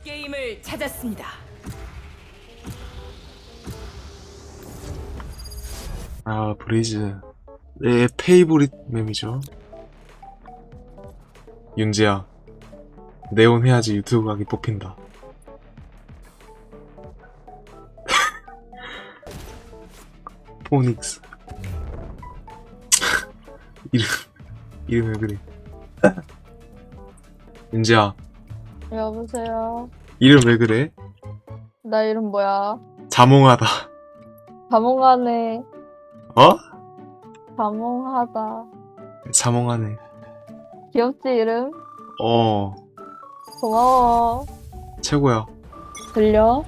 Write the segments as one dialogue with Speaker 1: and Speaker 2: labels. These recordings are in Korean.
Speaker 1: 게임을 찾았습니다.
Speaker 2: 아, 브레이즈. 내 페이보릿 mem이죠. 윤지야, 네온 해야지 유튜브 가기 뽑힌다. 포닉스. 이름 왜 그래? 윤지야,
Speaker 3: 여보세요.
Speaker 2: 이름 왜 그래?
Speaker 3: 나 이름 뭐야?
Speaker 2: 자몽하다.
Speaker 3: 자몽하네.
Speaker 2: 어?
Speaker 3: 자몽하다.
Speaker 2: 자몽하네.
Speaker 3: 귀엽지 이름?
Speaker 2: 어,
Speaker 3: 고마워.
Speaker 2: 최고야.
Speaker 3: 들려?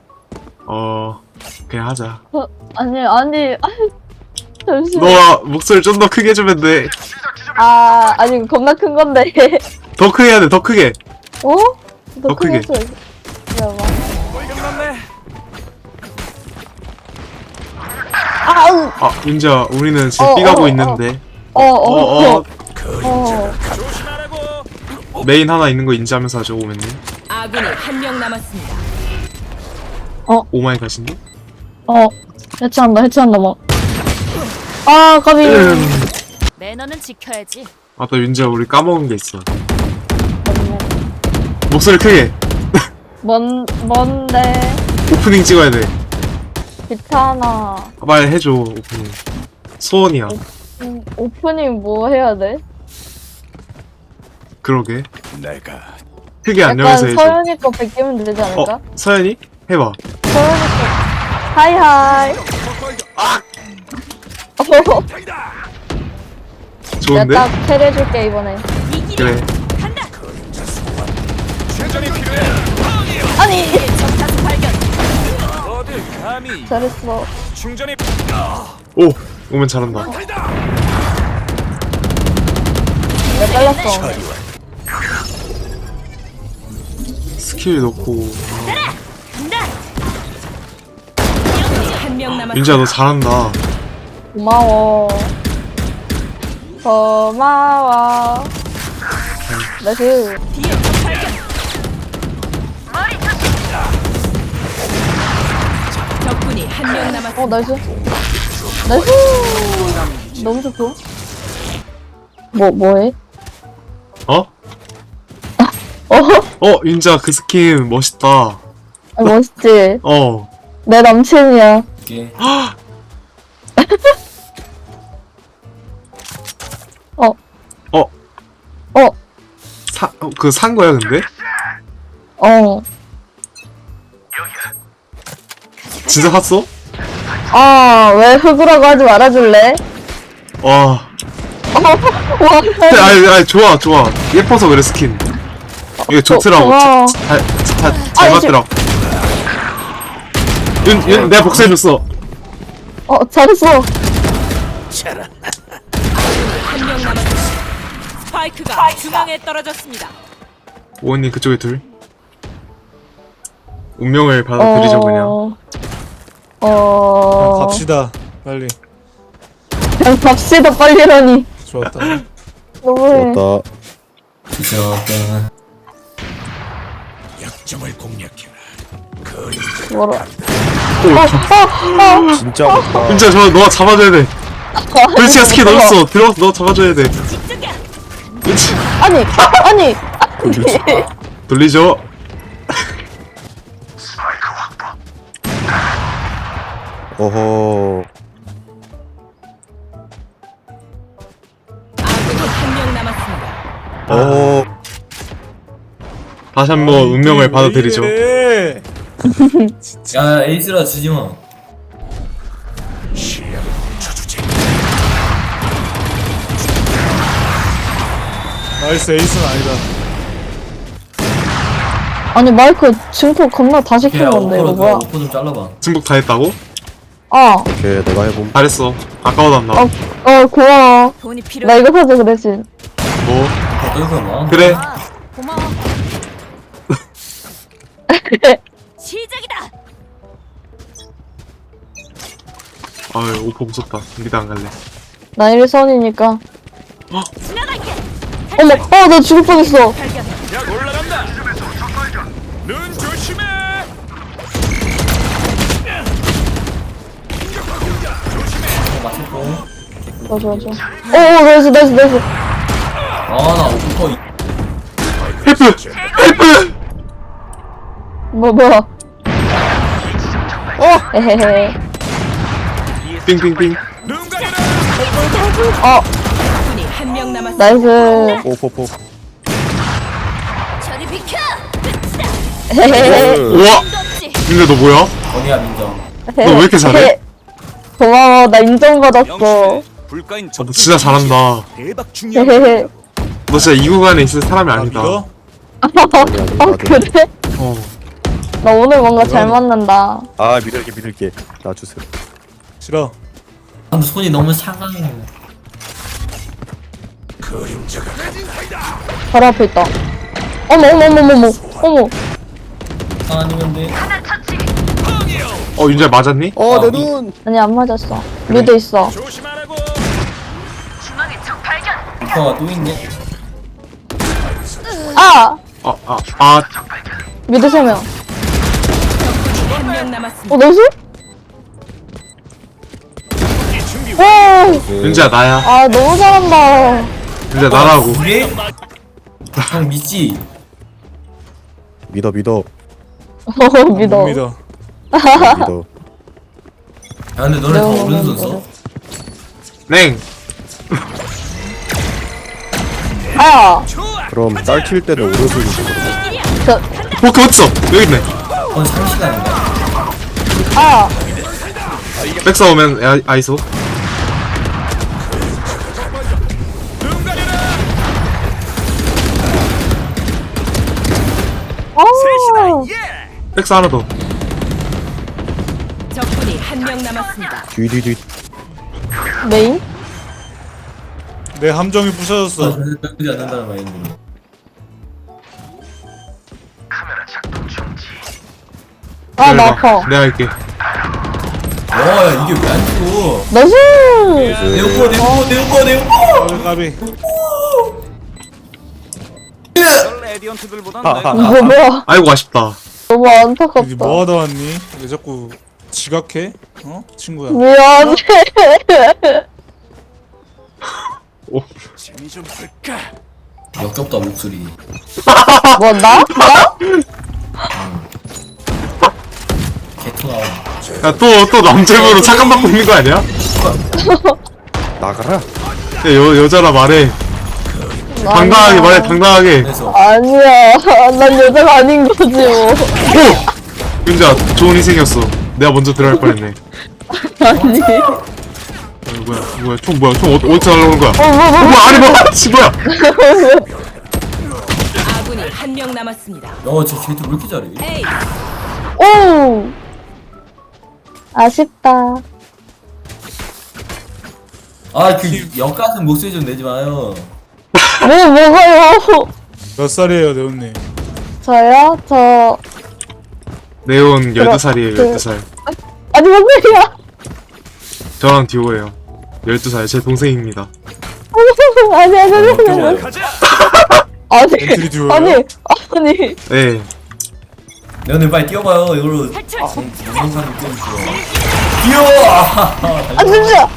Speaker 2: 그냥 하자.
Speaker 3: 아니 잠시만.
Speaker 2: 너 목소리 좀 더 크게 해주면 돼.
Speaker 3: 아니 겁나 큰 건데.
Speaker 2: 더 크게 해야 돼, 더 크게.
Speaker 3: 어?
Speaker 2: 더 크게.
Speaker 3: 기다려봐.
Speaker 2: 윤지야, 우리는 지금
Speaker 3: 어,
Speaker 2: 삐가고
Speaker 3: 어,
Speaker 2: 있는데.
Speaker 3: 어.
Speaker 2: 메인 하나 있는 거 인지하면서 하죠, 오맨님.
Speaker 1: 아군이 한 명 남았습니다.
Speaker 2: 오마이갓인데?
Speaker 3: 해체한다 막. 까비.
Speaker 1: 매너는 지켜야지.
Speaker 2: 또 윤지야, 우리 까먹은 게 있어. 목소리 크게.
Speaker 3: 뭔데?
Speaker 2: 오프닝 찍어야 돼.
Speaker 3: 귀찮아.
Speaker 2: 빨리 해줘, 오프닝. 소원이야.
Speaker 3: 오프닝 뭐 해야 돼?
Speaker 2: 그러게.
Speaker 4: 내가
Speaker 2: 크게
Speaker 3: 약간
Speaker 2: 안녕해서 해줘.
Speaker 3: 서연이 거 베끼면 되지 않을까?
Speaker 2: 서연이? 해봐.
Speaker 3: 서연이 거. 하이하이.
Speaker 2: 좋은데?
Speaker 3: 내가 딱 캐리해줄게 이번에.
Speaker 2: 그래.
Speaker 4: 최전이 필요해.
Speaker 3: 아니
Speaker 1: 적타수 발견.
Speaker 4: 어딜 감히
Speaker 3: 잘했어.
Speaker 4: 충전이
Speaker 2: 오! 오면 잘한다.
Speaker 3: 내가 빨랐어.
Speaker 2: 스킬 넣고.
Speaker 1: 한 명 남았습니다.
Speaker 2: 윤지야, 너 잘한다.
Speaker 3: 고마워. 나이스.
Speaker 1: 뒤에 적 발견. 적군이 한 명 남았습니다.
Speaker 3: 나이스. 너무 좋고. 뭐해?
Speaker 2: 어? 윤지야, 그 스킨 멋있다.
Speaker 3: 멋있지?
Speaker 2: 어.
Speaker 3: 내 남친이야.
Speaker 2: 그거 산 거야, 근데? 진짜 샀어?
Speaker 3: 왜 흑으라고 하지 말아줄래?
Speaker 2: 와.
Speaker 3: 와,
Speaker 2: 아니, 좋아. 예뻐서 그래, 스킨. 이게 좋더라고.
Speaker 3: 고마워.
Speaker 2: 잘 맞더라고. 내가 복사해줬어.
Speaker 3: 잘했어.
Speaker 1: 한 명 남았습니다. 스파이크가 중앙에 떨어졌습니다.
Speaker 2: 오원님, 그쪽에 둘. 운명을 받아들이죠, 그냥.
Speaker 5: 갑시다 빨리.
Speaker 3: 그냥 갑시다, 빨리라니.
Speaker 5: 좋았다.
Speaker 3: 너무해.
Speaker 4: 약점을 공략해라.
Speaker 3: 뭐라.
Speaker 5: 진짜 어렵다.
Speaker 2: 윤지야, 너가 잡아줘야 돼. 불치가 스킨 넣었어. 들어가서 너 잡아줘야 돼. 윤지.
Speaker 3: 아니.
Speaker 2: 돌리죠.
Speaker 5: 어허.
Speaker 1: 아군이 한 명 남았습니다.
Speaker 5: 어허.
Speaker 2: 다시 한번 운명을 받아들이죠.
Speaker 6: 야 에이스라 지지마.
Speaker 5: 나이스. 에이스는 아니다.
Speaker 3: 아니, 마이크 증폭 겁나 다 시킨
Speaker 6: 야
Speaker 3: 건데, 이거 뭐야?
Speaker 6: 오퍼 좀 잘라봐.
Speaker 2: 승복 다 했다고?
Speaker 5: 오케이, 내가 해봄.
Speaker 2: 잘했어. 아까워도 안 나와.
Speaker 3: 고마워.
Speaker 1: 돈이 필요해.
Speaker 3: 나 이거 사줘, 그 대신.
Speaker 2: 뭐?
Speaker 6: 어떤 거야?
Speaker 2: 그래.
Speaker 1: 고마워. 시작이다.
Speaker 2: 아유, 오퍼 무섭다. 미드 안 갈래.
Speaker 3: 나 일선이니까.
Speaker 1: 지나갈게.
Speaker 3: 어머, 나 죽을 뻔했어.
Speaker 1: 발견.
Speaker 4: 약 올라간다. 눈 조심해.
Speaker 6: 맞췄고.
Speaker 3: 좋아. 오, 나이스.
Speaker 6: 아나 오퍼
Speaker 2: 헬프!
Speaker 3: 뭐야. 에헤헤.
Speaker 2: 빙빙빙.
Speaker 4: 눈 가려라.
Speaker 1: 적군이 한 명 남았습니다.
Speaker 3: 나이스.
Speaker 5: 오포포.
Speaker 1: 저리 비켜.
Speaker 3: 헤헤헤.
Speaker 2: 우와! 근데 너 뭐야?
Speaker 6: 어디야 민정.
Speaker 2: 너 왜 이렇게 잘해?
Speaker 3: 고마워, 나 인정받았어.
Speaker 4: 불가인
Speaker 2: 너 진짜 잘한다.
Speaker 4: 대박 중요한.
Speaker 3: 헤헤헤.
Speaker 2: 너 진짜 이 구간에 있을 사람이 아니다.
Speaker 5: 믿어?
Speaker 3: 그래?
Speaker 2: 어.
Speaker 3: 나 오늘 뭔가 잘 맞는다.
Speaker 5: 아 믿을게. 놔주세요.
Speaker 7: 싫어.
Speaker 6: 근데 손이 너무 차가워.
Speaker 3: 바로 앞에 있다. 어머.
Speaker 6: 아니면 돼.
Speaker 2: 윤재 맞았니?
Speaker 5: 내 눈.
Speaker 3: 아니, 안 맞았어. 미드 있어.
Speaker 4: 조심하라고.
Speaker 6: 오퍼가 또 있네.
Speaker 3: 아!
Speaker 2: 아,
Speaker 3: 미드 3명.
Speaker 1: 한 명 남았습니다.
Speaker 3: 나이스? 와!
Speaker 2: 윤재야 나야.
Speaker 3: 아, 너무 잘한다.
Speaker 2: 윤재 나라고.
Speaker 6: 그래? 형 믿지?
Speaker 5: 믿어.
Speaker 3: 믿어.
Speaker 7: 못 믿어.
Speaker 5: 믿어.
Speaker 6: 야 근데 너네 다
Speaker 3: 너무
Speaker 6: 오른손 써?
Speaker 2: 냉.
Speaker 3: 아!
Speaker 5: 그럼 딸킬 때는 오른손이지.
Speaker 2: 포크 어딨어? 여기 있네.
Speaker 6: 그건 3시간인가?
Speaker 3: 아!
Speaker 2: 백사 오면 아이소.
Speaker 4: 눈 가려라.
Speaker 3: 아!
Speaker 2: 백사 하나 더.
Speaker 1: 적군이 한 명 남았습니다.
Speaker 5: 뒤.
Speaker 3: 메인?
Speaker 7: 내 함정이 부셔졌어.
Speaker 6: 나쁘지 않는다는 마인드.
Speaker 3: 아, 나 아파.
Speaker 2: 내가 할게.
Speaker 6: 야 이게 왜 안 죽어?
Speaker 3: 나이스!
Speaker 6: 내 오퍼.
Speaker 7: 까비.
Speaker 4: 레디언트들보단
Speaker 5: 하하.
Speaker 3: 이거 뭐야?
Speaker 2: 아이고 아쉽다.
Speaker 3: 너무
Speaker 7: 여기
Speaker 3: 안타깝다.
Speaker 7: 뭐 하다 왔니? 왜 자꾸 지각해? 어? 친구야.
Speaker 3: 미안해.
Speaker 4: 재미 좀 볼까?
Speaker 6: 역겹다 목소리.
Speaker 3: 뭐, 나?
Speaker 6: 개토 나와.
Speaker 2: 야 또 남자분으로 착각받고 있는 거 아니야?
Speaker 5: 나가라.
Speaker 2: 야, 여자라 말해. 당당하게 말해 당당하게.
Speaker 6: 그래서
Speaker 3: 아니야. 난 여자가 아닌 거지, 뭐.
Speaker 2: 오! 윤재야 좋은 희생이었어. 내가 먼저 들어갈 뻔했네.
Speaker 3: 아니.
Speaker 2: 뭐야 총 어디서 날라오는 거야? 뭐야 아니 뭐야
Speaker 1: 아군이 한 명 남았습니다.
Speaker 6: 야쟤 개토 왜 이렇게 잘해?
Speaker 1: 에이,
Speaker 3: 오! 아쉽다.
Speaker 6: 아그 역같은 목소리 좀 내지 마요.
Speaker 3: 뭐가요?
Speaker 7: 몇 살이에요, 네온님?
Speaker 3: 저요?
Speaker 2: 네온 12살이에요 12살.
Speaker 3: 아니, 뭔 소리야?
Speaker 2: 저랑 듀오예요. 12살 제 동생입니다.
Speaker 3: 아니.
Speaker 4: 가자.
Speaker 7: 엔트리 듀오예요?
Speaker 3: 아니.
Speaker 2: 네.
Speaker 6: 내 오늘 빨리 뛰어봐요. 이걸로 영상도 띄워주세요. 뛰어!
Speaker 3: 아, 진짜!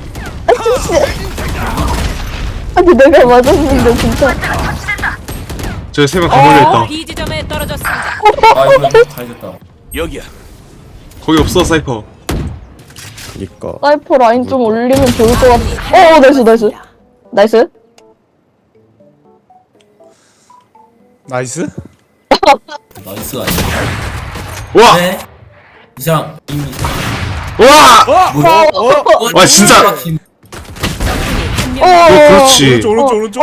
Speaker 3: 아니, 내가 맞았는데, 진짜.
Speaker 2: 저희 3명 다 몰려있다.
Speaker 1: B 지점에 떨어졌습니다.
Speaker 6: 아 이거 가야겠다.
Speaker 4: 여기야.
Speaker 2: 거기 없어 사이퍼.
Speaker 5: 그니까.
Speaker 3: 사이퍼 라인 좀 올리면 좋을 것 같아. 나이스. 나이스?
Speaker 7: 나이스?
Speaker 6: 나이스 아니야?
Speaker 2: 우와!
Speaker 6: 네. 이상 이미
Speaker 2: 우와!
Speaker 6: 뭐야?
Speaker 2: 와, 진짜!
Speaker 1: 적군이 한 명.
Speaker 2: 그렇지.
Speaker 7: 오른쪽.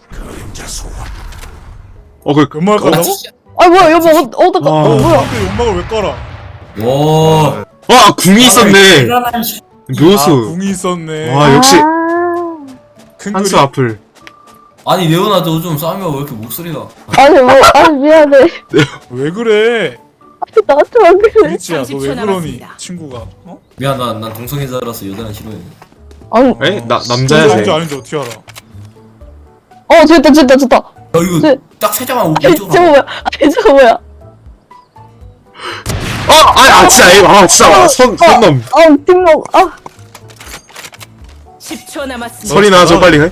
Speaker 2: 그
Speaker 7: 연막 깔라고?
Speaker 3: 아, 뭐야, 여보, 어떡하,
Speaker 2: 아.
Speaker 3: 뭐야.
Speaker 7: 근데 연막을 왜 깔아?
Speaker 6: 와.
Speaker 2: 와 궁이 있었네.
Speaker 6: 대단한 씨.
Speaker 2: 묘수.
Speaker 7: 궁이 있었네.
Speaker 2: 와 역시
Speaker 7: 큰
Speaker 2: 한수
Speaker 7: 그림.
Speaker 2: 앞을.
Speaker 6: 아니 레오나 너 좀 싸우면 왜 이렇게 목소리가?
Speaker 3: 아니, 미안해.
Speaker 7: 왜 그래?
Speaker 3: 나한테만 그래.
Speaker 7: 미치야, 너
Speaker 1: 30초
Speaker 7: 왜 그러니?
Speaker 1: 남았습니다.
Speaker 7: 친구가. 어?
Speaker 6: 미안 난 동성애자라서 여자는 싫어해.
Speaker 3: 아니,
Speaker 2: 에? 남자야
Speaker 7: 아닌지
Speaker 2: 쟤.
Speaker 7: 아닌지 어떻게 알아?
Speaker 3: 됐다.
Speaker 6: 야 이거
Speaker 3: 네.
Speaker 6: 딱 살짝만
Speaker 3: 아니,
Speaker 6: 오른쪽.
Speaker 3: 저거 뭐야.
Speaker 2: 진짜 진짜 선 넘.
Speaker 3: 팀목,
Speaker 1: 10초 남았습니다.
Speaker 2: 설이나 좀 빨리 해.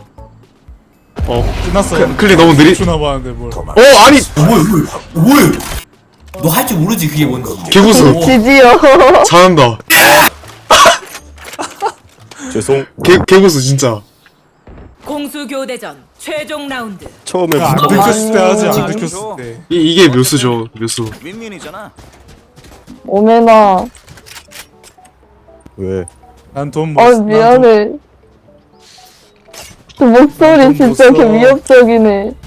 Speaker 7: 끝났어.
Speaker 2: 클릭 너무 느리.
Speaker 7: 주나 봤는데 뭘.
Speaker 2: 아니
Speaker 6: 뭐야? 너 할 줄 모르지 그게 뭔지.
Speaker 2: 개구수
Speaker 3: 지지요.
Speaker 2: 잘한다.
Speaker 5: 죄송.
Speaker 2: 개구수 진짜.
Speaker 1: 공수 교대전 최종 라운드.
Speaker 5: 처음에
Speaker 7: 안
Speaker 5: 무덤
Speaker 7: 들켰을 때 하지, 안
Speaker 6: 아,
Speaker 7: 들켰을 때.
Speaker 2: 이게 묘수죠 묘수.
Speaker 4: 윈윈이잖아.
Speaker 3: 오메나.
Speaker 5: 왜?
Speaker 7: 난 돈 못.
Speaker 3: 미안해. 그 목소리
Speaker 7: 돈
Speaker 3: 진짜
Speaker 7: 못
Speaker 3: 개
Speaker 7: 써.
Speaker 3: 위협적이네.